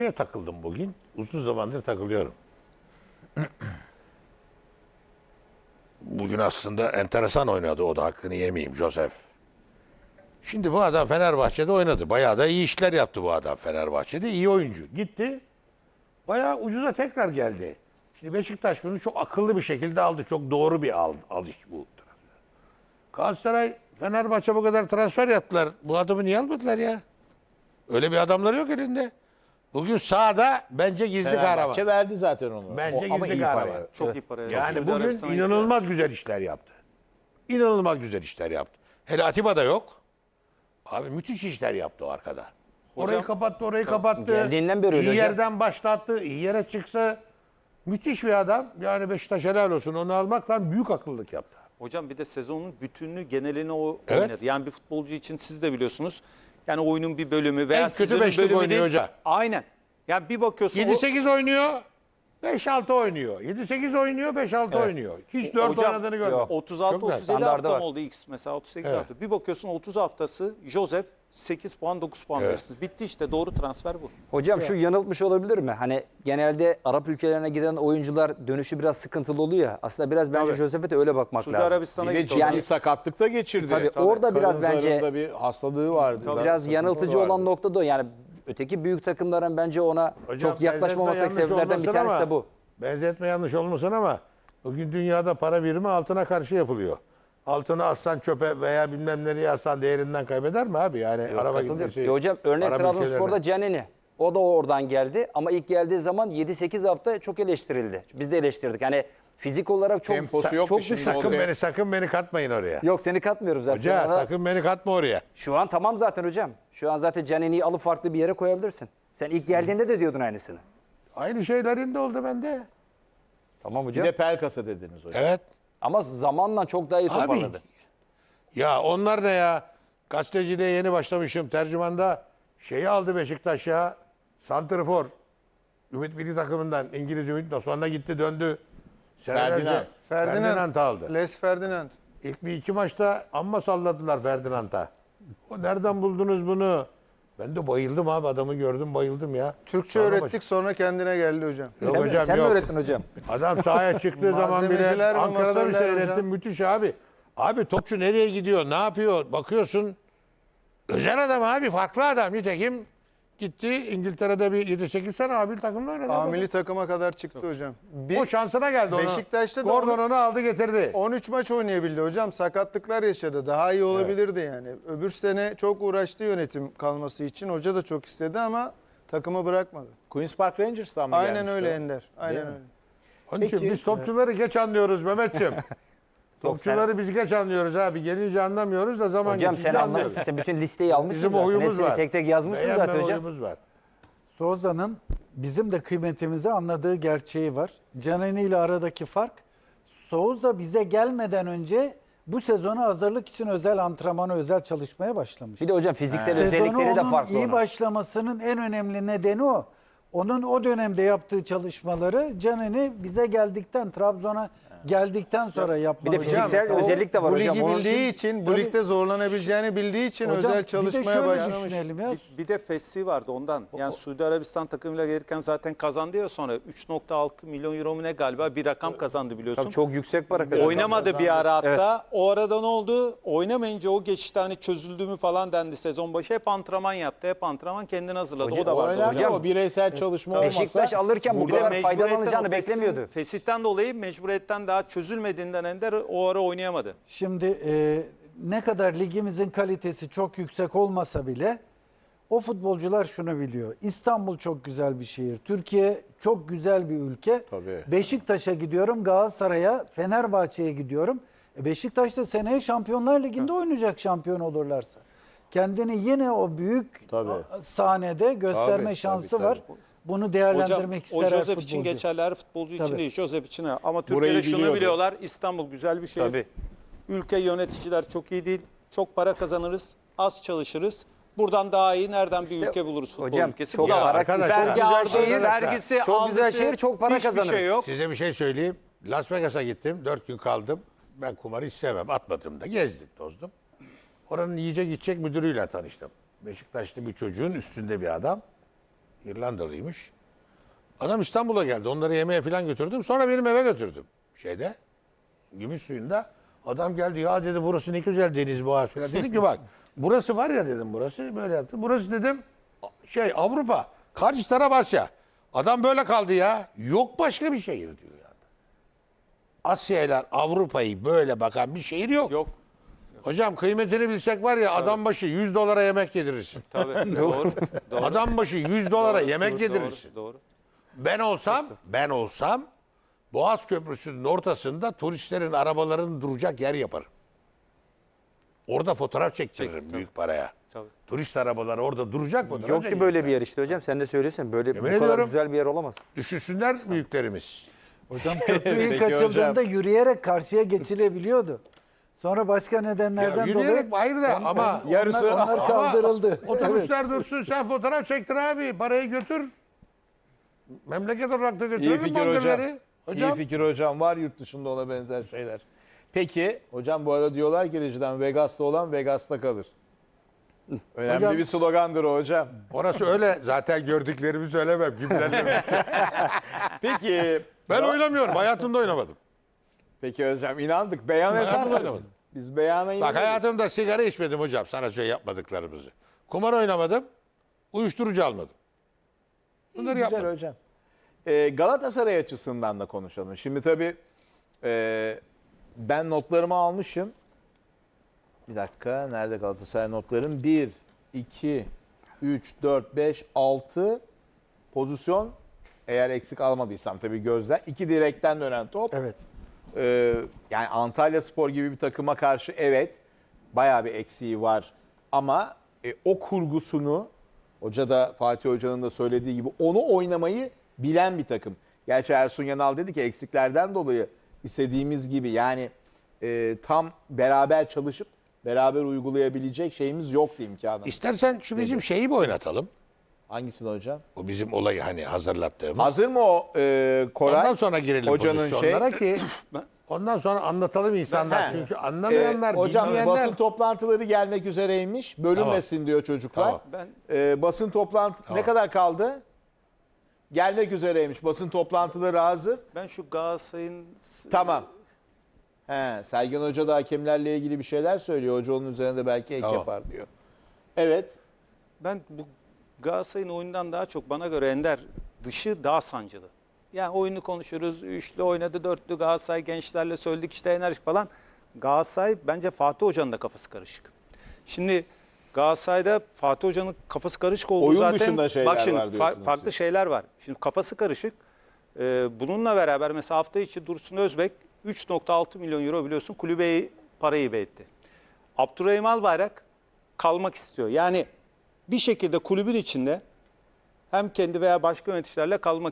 takıldım bugün. Uzun zamandır takılıyorum. Bugün aslında enteresan oynadı, o da hakkını yemeyeyim, Josef. Şimdi bu adam Fenerbahçe'de oynadı. Bayağı da iyi işler yaptı bu adam Fenerbahçe'de. İyi oyuncu. Gitti. Bayağı ucuza tekrar geldi. Şimdi Beşiktaş bunu çok akıllı bir şekilde aldı. Çok doğru bir alış bu transfer. Galatasaray, Fenerbahçe bu kadar transfer yaptılar. Bu adamı niye almadılar ya? Öyle bir adamları yok elinde. Bugün sahada bence gizli kahraman. Fenerbahçe verdi zaten onu. Bence Ama gizli iyi kahraman. para. Çok iyi para. Yani Suudi bugün Arabistan'a inanılmaz güzel işler yaptı. İnanılmaz güzel işler yaptı. Hele Atiba da yok. Abi müthiş işler yaptı o arkada. Orayı kapattı, orayı kapattı. Geldiğinden beri öyle İyi hocam. yerden başlattı, iyi yere çıksa müthiş bir adam. Yani Beşiktaş helal olsun, onu almakla büyük akıllılık yaptı. Hocam bir de sezonun bütününü, genelini o Evet. oynadı. Yani bir futbolcu için siz de biliyorsunuz. Yani oyunun bir bölümü veya En kötü sizin beşlik bölümü oynuyor değil. hoca. Aynen. Yani bir bakıyorsun 7-8 oynuyor, 5-6 oynuyor. 7-8 oynuyor, 5-6 oynuyor. Hiç 4 hocam, oynadığını görmedim. 36-37 Standardı hafta var. mı oldu X mesela 38 Evet. hafta. Bir bakıyorsun 30 haftası Josef 8 puan 9 puan verirsiniz. Bitti işte, doğru transfer bu. Hocam şu yanıltmış olabilir mi? Hani genelde Arap ülkelerine giden oyuncular dönüşü biraz sıkıntılı oluyor ya. Aslında biraz bence Tabii. Josef'e de öyle bakmak Suudi lazım. Arabistan'a Bir de gitti. ciddi Yani- sakatlık da geçirdi. Tabii, orada biraz Karın bence- zarında bir hastalığı vardı. Biraz Sıkıntısı yanıltıcı vardı. olan nokta da o. Yani öteki büyük takımların bence ona Hocam, çok yaklaşmamasındaki benzetme yanlış sebeplerden bir olmasın tanesi ama- de bu. Benzetme yanlış olmasın ama bugün dünyada para birimi altına karşı yapılıyor. Altını atsan çöpe veya bilmem nereye atsan değerinden kaybeder mi abi? Yani araba gibi bir Katılıyorum. şey. Hocam örnek Arap Trabzonspor'da ülkelerine. Canini. O da oradan geldi ama ilk geldiği zaman 7-8 hafta çok eleştirildi. Biz de eleştirdik. Hani fizik olarak çok Temposu yoktu çok şimdi, düşük. o Sakın beni katmayın oraya. Yok seni katmıyorum zaten. Hoca Ama sakın beni katma oraya. Şu an tamam zaten hocam. Şu an zaten Canini'yi alıp farklı bir yere koyabilirsin. Sen ilk geldiğinde de diyordun aynısını. Aynı şeylerin de oldu bende. Tamam Bir hocam. de Pelkas'a dediniz hocam. Evet. Ama zamanla çok daha iyi Abi toparladı. ya onlar ne ya? Gazeteciliğe yeni başlamışım. Tercümanda şeyi aldı Beşiktaş ya. Santrfor. Ümit Milli Takımından. İngiliz Ümit de sonra gitti döndü. Senelerce Ferdinand aldı. Les Ferdinand. İlk bir iki maçta amma salladılar Ferdinand'a. O nereden buldunuz bunu? Ben de bayıldım abi, adamı gördüm bayıldım ya. Türkçe Sonra öğrettik sonra kendine geldi hocam. Yok Sen, hocam sen mi yok. öğrettin hocam? Adam sahaya çıktığı zaman bile Malzemeciler mi, Ankara'da bir masörler seyrettim, hocam? müthiş abi. Abi topçu nereye gidiyor, ne yapıyor bakıyorsun. Özel adam abi, farklı adam. Nitekim gitti İngiltere'de bir 7-8 sene abil takımda oynadı. Amili takıma kadar çıktı hocam. O şansına geldi ona. Beşiktaş'ta da Gordon onu aldı getirdi. 13 maç oynayabildi hocam. Sakatlıklar yaşadı. Daha iyi olabilirdi yani. Öbür sene çok uğraştı yönetim kalması için. Hoca da çok istedi ama takımı bırakmadı. Queen's Park Rangers'tan mı Aynen gelmişti öyle o? Ender. Aynen öyle. Onun için Peki, biz topçuları geç anlıyoruz Mehmetciğim. Topçuları biz geç anlıyoruz abi. Gelince anlamıyoruz da zaman Hocam geçince sen anlıyoruz. anlamışsın. Sen bütün listeyi almışsın Bizim zaten. oyumuz Hepsini var. tek tek yazmışsın Beğenme zaten hocam. oyumuz var. Souza'nın bizim de kıymetimizi anladığı gerçeği var. Canini ile aradaki fark, Souza bize gelmeden önce bu sezona hazırlık için özel antrenmana, özel çalışmaya başlamış. Bir de hocam fiziksel Sezonu özellikleri de onun farklı. iyi onun. başlamasının en önemli nedeni o. Onun o dönemde yaptığı çalışmaları Canini bize geldikten, Trabzon'a geldikten sonra Bir yapmalı. de fiziksel O özellik de var bu hocam. ligi Onun bildiği için, bu ligde zorlanabileceğini bildiği için Hocam, özel bir de çalışmaya şöyle başlamış. düşünelim ya. Bir de Fessi vardı ondan. Yani Suudi Arabistan takımıyla gelirken zaten kazandı ya sonra. 3.6 milyon euro mu ne galiba bir rakam kazandı biliyorsun. Tabii çok yüksek para kazandı. Oynamadı bir ara hatta. O arada ne oldu? Oynamayınca o geçişte hani çözüldü mü falan dendi sezon başı. Hep antrenman yaptı. Hep antrenman kendini hazırladı. O da vardı Oynar hocam. da o bireysel çalışma olmasa. Beşiktaş alırken bu Bir de kadar mecburiyetten faydalanacağını o Fesih'in- beklemiyordu. Fesih'ten dolayı mecburiyetten daha çözülmediğinden Ender o ara oynayamadı. Şimdi ne kadar ligimizin kalitesi çok yüksek olmasa bile o futbolcular şunu biliyor. İstanbul çok güzel bir şehir. Türkiye çok güzel bir ülke. Tabii. Beşiktaş'a gidiyorum, Galatasaray'a, Fenerbahçe'ye gidiyorum. Beşiktaş da seneye Şampiyonlar Ligi'nde oynayacak şampiyon olurlarsa. Kendini yine o büyük sahnede gösterme Tabii, şansı tabii, var. Bunu değerlendirmek Hocam, ister o her Josef futbolcu. için geçerli, her futbolcu için Tabii. değil. Josef için ha. Ama Burayı Türkiye'de şunu biliyordu. biliyorlar. İstanbul güzel bir şehir. Tabii. Ülke yöneticiler çok iyi değil. Çok para kazanırız. Az çalışırız. Buradan daha iyi nereden bir ülke buluruz futbol hocam, ülkesi? çok Bu da var. arkadaşlar, Vergi çok ağır güzel değil, şehir, vergisi, çok güzel algısı, şehir, çok para hiçbir kazanırız. şey yok. Size bir şey söyleyeyim. Las Vegas'a gittim. 4 gün kaldım. Ben kumarı hiç sevmem. Atmadım da. Gezdim, tozdum. Oranın yiyecek içecek müdürüyle tanıştım. Beşiktaşlı bir çocuğun üstünde bir adam. İrlandalıymış. Adam İstanbul'a geldi. Onları yemeğe falan götürdüm. Sonra benim eve götürdüm. Şeyde. Gümüşsuyu'nda. Adam geldi ya dedi burası ne güzel deniz boğaz falan. Dedim ki bak burası var ya dedim burası böyle yaptı. Burası dedim Avrupa. Karşı taraf Asya. Adam böyle kaldı ya. Yok başka bir şehir diyor yani. Asya'yla Avrupa'yı böyle bakan bir şehir yok. Yok. Hocam kıymetini bilsek var ya adam başı 100 dolara yemek yedirirsin. Tabii. Doğru. Doğru. Adam başı 100 dolara yemek Doğru, yedirirsin. Doğru. Ben olsam Boğaz Köprüsü'nün ortasında turistlerin arabalarının duracak yer yaparım. Orada fotoğraf çektiririm büyük paraya. Tabii. Turist arabaları orada duracak fotoğraf Yok ki çekilir. böyle bir yer işte hocam. Sen de söylesen böyle bu Yemin kadar ediyorum. güzel bir yer olamaz. Düşünsünler büyüklerimiz. Hocam köprüyü Peki kaçıldığında yürüyerek karşıya geçilebiliyordu. Sonra başka nedenlerden Yürüyerek dolayı ayrı da ama Yarısı onlar kaldırıldı. otobüsler dursun sen fotoğraf çektir abi. Parayı götür. Memleket olarak da İyi götürelim fikir hocam. bandırları. İyi fikir hocam. Var yurt dışında ona benzer şeyler. Peki hocam bu arada diyorlar ki rejiden Vegas'ta olan Vegas'ta kalır. Önemli Hocam- bir slogandır o hocam. Orası öyle. Zaten gördüklerimi söylemem. Kimlerle. Peki Ben oynamıyorum. Hayatımda oynamadım. peki hocam inandık. Beyan Hayatımda esas. oynamadım. Biz beyana Bak inanıyoruz. hayatımda sigara içmedim hocam. Sana şey yapmadıklarımızı. Kumar oynamadım. Uyuşturucu almadım. Bunları Güzel yapmadım. hocam. Galatasaray açısından da konuşalım. Şimdi tabii ben notlarımı almışım. Bir dakika. Nerede Galatasaray notlarım? 1, 2, 3, 4, 5, 6 pozisyon. Eğer eksik almadıysam tabii gözler. 2 direkten dönen top. Evet. Yani Antalya Spor gibi bir takıma karşı evet bayağı bir eksiği var. Ama o kurgusunu hoca da Fatih Hoca'nın da söylediği gibi onu oynamayı bilen bir takım. Gerçi Ersun Yanal dedi ki eksiklerden dolayı istediğimiz gibi yani tam beraber çalışıp beraber uygulayabilecek şeyimiz yoktu imkanı. İstersen şu bizim şeyi mi oynatalım? Hangisini hocam? O bizim olayı hani hazırlattığımız. Hazır mı o Koray? Ondan sonra girelim Hocanın pozisyonlara ki ondan sonra anlatalım insanlar. He. Çünkü anlamayanlar, hocam bilmeyenler. basın toplantıları gelmek üzereymiş. Bölünmesin diyor çocuklar. Tamam. Basın toplantı ne kadar kaldı? Gelmek üzereymiş. Basın toplantıları hazır. Ben şu Galatasaray'ın Tamam. Sergen Hoca da hakemlerle ilgili bir şeyler söylüyor. Hoca onun üzerinde belki ek Tamam. yapar diyor. Evet. Ben bu Galatasaray'ın oyundan daha çok bana göre Ender dışı daha sancılı. Yani oyunu konuşuruz. Üçlü oynadı, dörtlü Galatasaray gençlerle söyledik işte enerji falan. Galatasaray bence Fatih Hoca'nın da kafası karışık. Şimdi Galatasaray'da Fatih Hoca'nın kafası karışık olduğu Oyun zaten. dışında şeyler bak şimdi, var diyorsunuz farklı siz. şeyler var. Şimdi kafası karışık. Bununla beraber mesela hafta içi Dursun Özbek 3.6 milyon euro biliyorsun kulübeye parayı hibe etti. Abdurrahim Albayrak kalmak istiyor. Yani bir şekilde kulübün içinde hem kendi veya başka yöneticilerle kalmak